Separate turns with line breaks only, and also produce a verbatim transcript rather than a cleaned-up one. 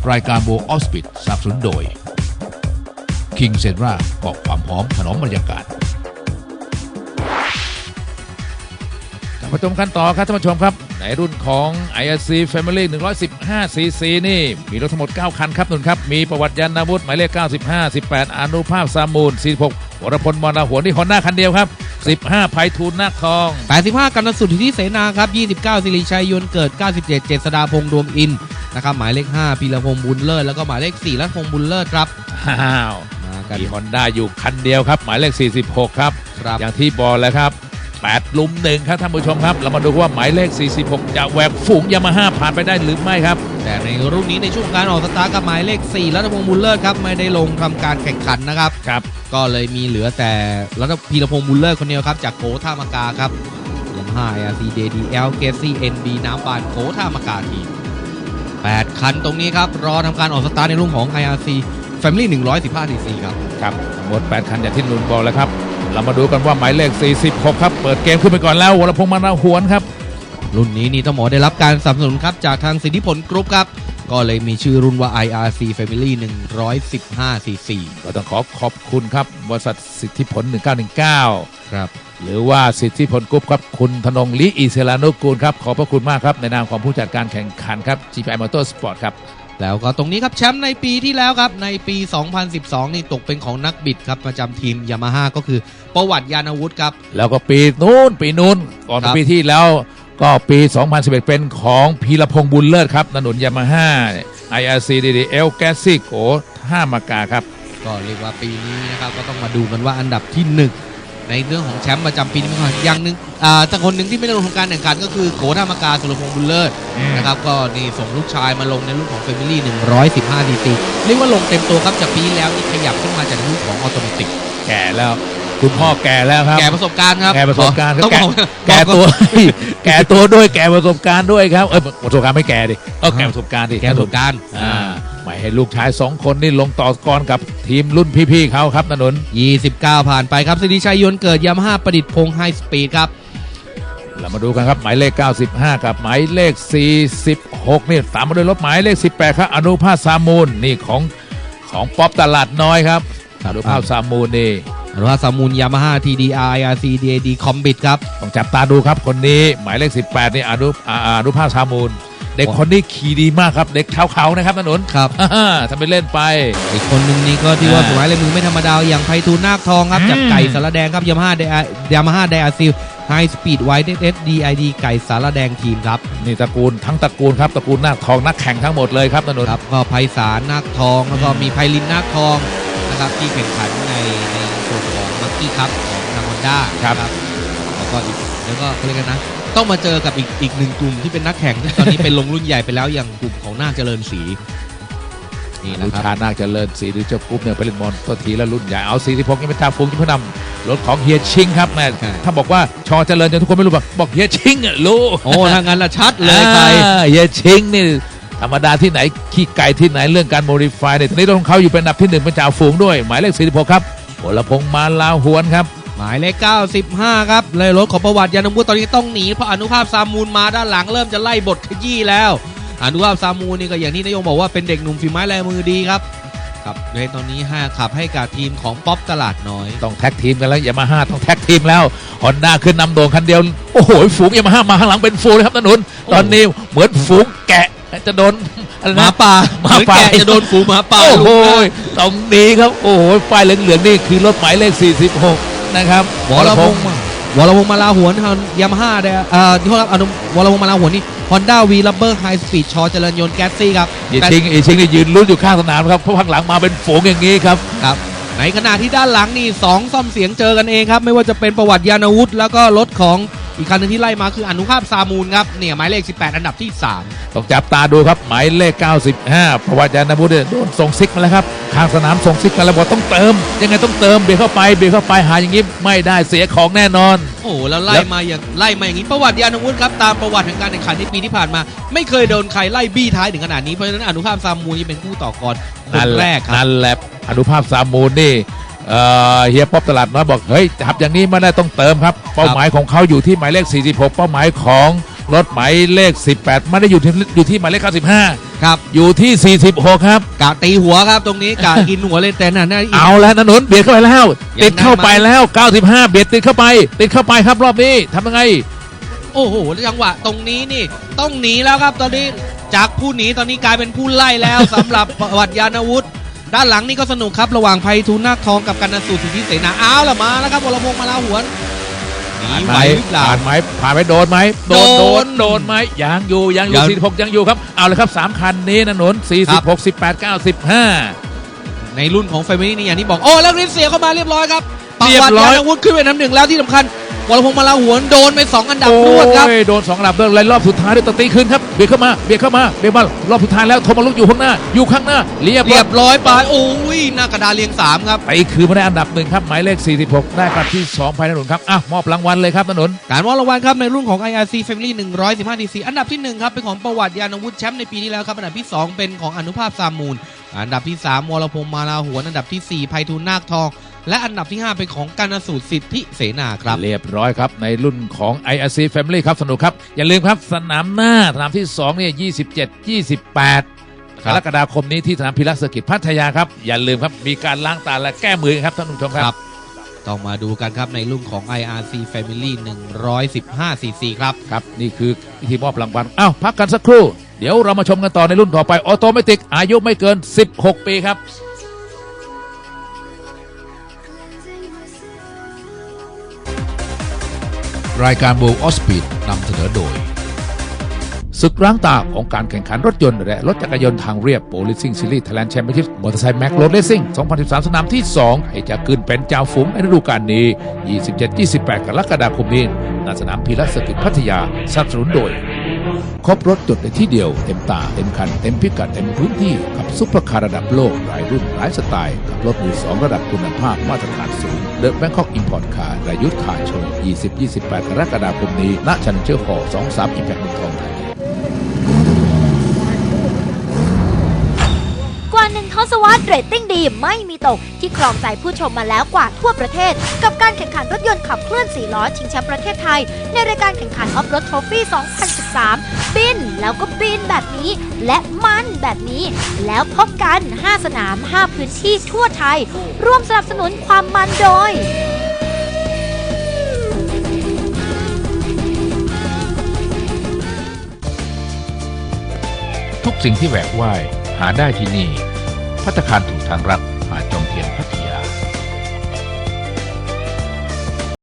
รายการโบออสปิดสนับสนุนโดย King Cedra เกาะความหอมถนอมบรรยากาศมาชมกันต่อครับท่านผู้ชมครับในรุ่นของ ไอ อาร์ ซี Family หนึ่งร้อยสิบห้า ซี ซี นี่มีรถทั้งหมดเก้าคันครับนุ่นครับมีประวัติยานนาวุฒิหมายเลขเก้าสิบห้า สิบแปดอนุภาพสามูลสี่สิบหกวรพลมรหัวนี่ฮอนด้าคันเดียวครับสิบห้าไพฑูรย์นาคทอง
แปดสิบห้ากันสุทธิเสนาครับยี่สิบเก้าสิริชัยยนต์เกิดเก้าสิบเจ็ดเจษฎาพงษ์ดวงอินนะครับหมายเลขห้าพีรพงษ์บุญเลิศแล้วก็หมายเลขสี่รัตพงษ์บุญเลิศครับ
อ้าวมีฮอนด้าอยู่คันเดียวครับหมายเลขสี่สิบหกครับอย่างที่บอกแล้วครับแปดลุมหนึ่งครับท่านผู้ชมครับเรามาดูว่าหมายเลขสี่สิบหกจะแหวกฝูงยามาฮ่าผ่านไปได้หรือไม่ครับ
แต่ในรุ่นนี้ในช่วงการออกสตาร์ทกับหมายเลขสี่รัตพงษ์บุญเลิศครับไม่ได้ลงทำการแข่งขันนะครับ
ครับ
ก็เลยมีเหลือแต่รัตพีรพงษ์บุญเลิศคนเดียวครับจากโกท่ามากาครับยามาฮ่า ไอ อาร์ ซี ดี ดี แอล เกซี่ เอ็น บี น้ำบานโกท่ามากาทีแปดคันตรงนี้ครับรอทำการออกสตาร์ทในรุ่นของ ไอ อาร์ ซี Family หนึ่งร้อยสิบห้า ซี ซี ครับ
ครับหมดแปดคันอย่างที่นุ่นบอกแล้วครับเรามาดูกันว่าหมายเลขสี่สิบหกครับเปิดเกมขึ้นไปก่อนแล้ววรพงษ์มรหวนครับ
รุ่นนี้นี่ต้องบอกได้รับการสนับสนุนครับจากทางสิทธิผลกรุ๊ปครับก็เลยมีชื่อรุ่นว่า ไอ อาร์ ซี Family หนึ่งร้อยสิบห้า ซี ซี
ก็ต้องขอขอบคุณครับบริษัทสิทธิผลหนึ่งเก้าหนึ่งเก้า
ครับ
หรือว่าสิทธิผลกรุ๊ปครับคุณธนงลิอิเซลานุกูลครับขอบพระคุณมากครับในนามของผู้จัดการแข่งขันครับ จี พี ไอ Motorsport ครับ
แล้วก็ตรงนี้ครับแชมป์ในปีที่แล้วครับในปีสองพันสิบสองนี่ตกเป็นของนักบิดครับประจำทีมยามาฮ่าก็คือประวัติยานอาวุธครับ
แล้วก็ปีนู้นปีนู้นก่อนปีที่แล้วก็ปีสองพันสิบเอ็ดเป็นของพีรพงษ์บุญเลิศครับถนนยามาฮ่า ไอ อาร์ ซี ดี ดี แอล แกซี่โกท่ามากาครับ
ก็เรียกว่าปีนี้นะครับก็ต้องมาดูกันว่าอันดับที่หนึ่งในเรื่องของแชมป์ประจำปีนี้ก่อนอย่างหนึ่งอ่าแต่คนหนึ่งที่ไม่ได้ลงทำการแข่งขันก็คือโกท่ามากาสุรพงษ์บุญเลิศนะครับก็นี่ส่งลูกชายมาลงในรุ่นของ Family หนึ่งร้อยสิบห้า ซี ซี เรียกว่าลงเต็มตัวครับจากปีแล้วนี่ขยับขึ้นมาจากรุ่นของออโตเมติก
แก่แล้วคุณพ่อแก่แล้วครับ
แก่ประสบการณ์ครับ
แก่ประสบการณ์ต้องแก่ตัวแก่ตัวด้วยแก่ประสบการณ์ด้วยครับเออประสบการณ์ไม่แก่ดิก็แก่ประสบการณ์ดิ
แก่ประสบการณ์
อ่าไม่ให้ลูกชายสองคนนี่ลงต่อกรกับทีมรุ่นพี่ๆเขาครับถนน
ยี่สิบเก้าผ่านไปครับสิริชัยยนต์เกิดยามาฮ่าประดิษฐ์พงษ์ไฮสปีดครับ
เรามาดูกันครับหมายเลขเก้าสิบห้ากับหมายเลขสี่สิบหกนี่ตามมาด้วยรถหมายเลขสิบแปดครับอนุภาพสามูลนี่ของของป๊อปตลาดน้อยครับอนุภาพสามูลนี่
อนุภาพสามูลยามาฮ่า ที ดี อาร์ ไอ อาร์ ซี ดี ดี คอมบิทครับ
ต้องจับตาดูครับคนนี้หมายเลขสิบแปดนี่อนุอนุภาพสามูลเด็กคนนี้ขี่ดีมากครับเด็กเขาเขานะครับถนน
ครับ
ทำไปเล่นไป
อีกคนหนึ่งนี่ก็ที่ว่าสวยเลยมือไม่ธรรมดาอย่างไพฑูรย์นาคทองครับจากไก่สารแดงครับยามาฮ่ายามาฮ่าไดอาซิลไฮสปีดไวท์เอสดีไอดีไก่สารแดงทีมครับ
นี่ตระกูลทั้งตระกูลครับตระกูลนาคทองนักแข่งทั้งหมดเลยครับถนน
ครับก็ไพศาลนาคทองแล้วก็มีไพลินนาคทองนะครับที่แข่งขันในในส่วนของมังกี้คัพของทางฮอนด้า
ครับ
แล้วก็อีกแล้วก็เขาเรียกกันนะต้องมาเจอกับอีกอีกหนึ่งกลุ่มที่เป็นนักแข่งตอนนี้เป็นลงรุ่นใหญ่ไปแล้วอย่างกลุ่มของนาคเจริญศรี
นี่นะครับชานาคเจริญศรีหรือเจ้ากรุ๊ปเนี่ยไปเล่นบอลตัวทีแล้วรุ่นใหญ่เอาสี่สิบหกยังเป็นจ่าฝูงที่เพื่อนำรถของเฮียชิงครับแม่ถ้าบอกว่าชอเจริญจนทุกคนไม่รู้บอกบอกเฮียชิงอ่ะรู้
โอ้ทางนั้นละชัดเลยใคร
เฮียชิงนี่ธรรมดาที่ไหนขี้ไก่ที่ไหนเรื่องการโมดิฟายเนี่ยตอนนี้รถของเขาอยู่เป็นอันดับที่หนึ่งเป็นจ่าฝูงด้วยหมายเลขสี่สิบหกครับวรพงษ์มาลาหวนครับ
หมายเลขเก้าสิบห้าครับเลยรถของประวัติยานอาวุธตอนนี้ต้องหนีเพราะอนุภาพสามูลมาด้านหลังเริ่มจะไล่บทขยี้แล้วอนุภาพสามูลนี่ก็อย่างที่นายงบอกว่าเป็นเด็กหนุ่มฝีไม้ลายมือดีครับครับในตอนนี้ห้าขับให้กับทีมของป๊อปตลาดน้อย
ต้องแท็กทีมกันแล้วยามาฮ่าต้องแท็กทีมแล้วฮอนด้าขึ้นนำโด่งคันเดียวโอ้โหฝูงยามาฮ่ามาข้างหลังเป็นฝูงเลยครับถนนตอนนี้เหมือนฝูงแกะจะโดน
หมาป่าหมาป่าจะโดนฝูงหมาป่า
โอ้โหตรงนี้ครับโอ้โหป้ายเหลืองๆนี่คือรถหมายเลขสี่สิบหกนะครับ
วรพงษ์วรพงษ์มาลาหวนยามาฮ่าได้อ่าที่เขารับอนุวรพงษ์มาลาหวนนี่ฮอนด้าวีลับเบอร์ไฮสปีดชอเจริญยนต์แก๊สซี่ครับ
อีชิงอีชิงนี่ยืนลุ้นอยู่ข้างสนามครับเพราะข้างหลังมาเป็นฝูงอย่างนี้ครับ
ครับในขณะที่ด้านหลังนี่สองซ่อมเสียงเจอกันเองครับไม่ว่าจะเป็นประวัติยานอาวุธแล้วก็รถของอีกคันนึงที่ไล่มาคืออนุภาพสามูลครับเนี่ยหมายเลขสิบแปดอันดับที่สาม
ต้องจับตาดูครับหมายเลขเก้าสิบห้าประวัติยานอาวุธโดนส่งซิกมาแล้วครับข้างสนามส่งซิกมาแล้วบอกต้องเติมยังไงต้องเติมเบียดเข้าไปเบียดเข้าไปหาอย่างนี้ไม่ได้เสียของแน่นอน
โอ้แล้วไล่มาอย่างไล่มาอย่างนี้ประวัติยานอาวุธครับตามประวัติแห่งการแข่งขันในปีที่ผ่านมาไม่เคยโดนใครไล่บี้ท้ายถึงขนาดนี้เพราะฉะนั้นอนุภาพสามูลนี่เป็นคู่ต่อกรคนแรกครับ
นั่นแหละอนุภาพสามูลนี่เฮียป๊อปตลาดน้อยบอกเฮ้ยทำอย่างนี้ไม่ได้ต้องเติมครับเป้าหมายของเขาอยู่ที่หมายเลขสี่สิบหกเป้าหมายของรถหมายเลขสิบแปดไม่ได้อยู่ที่อยู่ที่หมายเลขเก้าสิบห้า
ครับ
อยู่ที่สี่สิบหกครับ
กะตีหัวครับตรงนี้กะกินหัวเลยแต่น่ะน่า
เอาแล้วนะหนุนเบียดเข้าไปแล้ว
ยัง
ติดเข้าไป
ได้ไหม
แล้วเก้าสิบห้าเบียดติดเข้าไป ติดเข้าไปครับรอบนี้ทำยังไง
โอ้โหจังหวะตรงนี้นี่ต้องหนีแล้วครับตอนนี้จากผู้หนีตอนนี้กลายเป็นผู้ไล่แล้ว สำหรับประวัติยานวุฒิด้านหลังนี่ก็สนุกครับระหว่างไพฑูรย์นาคทองกับกันนสูตรสิทธิเสนาอ้าวละมาแล้วครับวรพงษ์มาลาหวนหนี
ผ่าน
ไห
ไห
ว
ม
หรือเปล่า
ผ่านไหมผ่านไหมโดนไหมโดน
โด
โด
น
นโดนไหมยังอยู่ยังอยู่
ยัง
สี่สิบหกยังอยู่ครับเอาเลยครับสามคันนี้นะหนุนสี่สิบหกสิบแปดเก้าสิบห้า
ในรุ่นของแฟมิลี่นี่อย่างที่บอกโอ้แล้วริฟเสียเข้ามาเรียบร้อยครับประ
เรียบ
วัติ
ร้อย
ยานวุฒิขึ้นเป็นน้ำหนึ่งแล้วที่สำคัญวรพงษ์มาลาหวนโดนไปสองอันดับรวดครับ
โอ้ยโดนสองอันดับเดินเลยรอบสุดท้ายด้วยตะตีขึ้นครับเบียดเข้ามาเบียดเข้ามาเบียดมารอบสุดท้ายแล้วโทมาลุกอยู่ข้างหน้าอยู่ข้างหน้าเรียบ
เรียบร้อยไปโอ้ยหน้ากระดานเรียงสามครับ
ไปคือมาได้อันดับหนึ่งครับหมายเลขสี่สิบหกได้กลับที่สองภายในถนนครับอ่ะมอบรางวัลเลยครับถนน
การมอบรางวัลครับในรุ่นของ ไอ อาร์ ซี Family หนึ่งร้อยสิบห้า ดี ซี อันดับที่หนึ่งครับเป็นของประวัติยานวุฒิแชมป์ในปีที่แล้วครับอันดับที่สองเป็นของอนุภาพซามูลอันดับที่สามวรพงษ์มาลาหวนอันดับที่สี่ไพฑูรย์นาคทองและอันดับที่ห้าเป็นของกันนสูตรสิทธิเสนาครับ
เรียบร้อยครับในรุ่นของ ไอ อาร์ ซี Family ครับสนุกครับอย่าลืมครับสนามหน้าสนามที่สองเนี่ยยี่สิบเจ็ด ยี่สิบแปด
ค
ก
รับ
รกฎาคมนี้ที่สนามพิรัสกิจพัทยาครับอย่าลืมครับมีการล้างตาและแก้มือครับท่านผู้ชมครับ
ต้องมาดูกันครับในรุ่นของ ไอ อาร์ ซี Family หนึ่งร้อยสิบห้า ซี ซี ครับ
ครับนี่คือพิธีมอบรางวัลอ้าวพักกันสักครู่เดี๋ยวเรามาชมกันต่อในรุ่นต่อไปออโตเมติกอายุไม่เกินสิบหกปีครับรายการโบว์ออสปีดนำเสนอโดยศึกล้างตาของการแข่งขันรถยนต์และรถจักรยานทางเรียบโปรลิซิ่งซีรีส์ไทยแลนด์แชมเปี้ยนชิพมอเตอร์ไซค์แม็กโรดเลสซิ่งสองพันสิบสาม สนามที่ สองให้จะขึ้นเป็นจ่าฝูงในฤดูกาลนี้ ยี่สิบเจ็ด ยี่สิบแปด กรกฎาคมนี้ณสนามพีรัสกิจพัทยาสนับสนุนโดย ครบรถจดในที่เดียวเต็มตาเต็มคันเต็มพิกัดเต็มพื้นที่กับซุปเปอร์คาร์ระดับโลกหลายรุ่นหลายสไตล์กับรถมือสองระดับคุณภาพมาตรฐานสูงเดอะแบงคอกอิมพอร์ตคาร์รายุทธ์คาร์โชว์ ยี่สิบ ยี่สิบแปด กรกฎาคมนี้ณชันเชอร์ฮอลล์ สองสาม อิมแพคเมืองทองธานี
กว่าหนึ่งทศวรรษเรตติ้งดีไม่มีตกที่ครองใจผู้ชมมาแล้วกว่าทั่วประเทศ กับการแข่งขันรถยนต์ขับเคลื่อนสี่ล้อชิงแชมป์ประเทศไทย ในรายการแข่งขันออฟโรดทรอฟี่ สองพันสิบสาม บินแล้วก็บินแบบนี้ และมันแบบนี้ แล้วพบกัน ห้า สนาม ห้า พื้นที่ทั่วไทย ร่วมสนับสนุนความมันโดย
ทุกสิ่งที่แหวกว่ายหาได้ที่นี่ภัตตาคารถูกทางรัฐ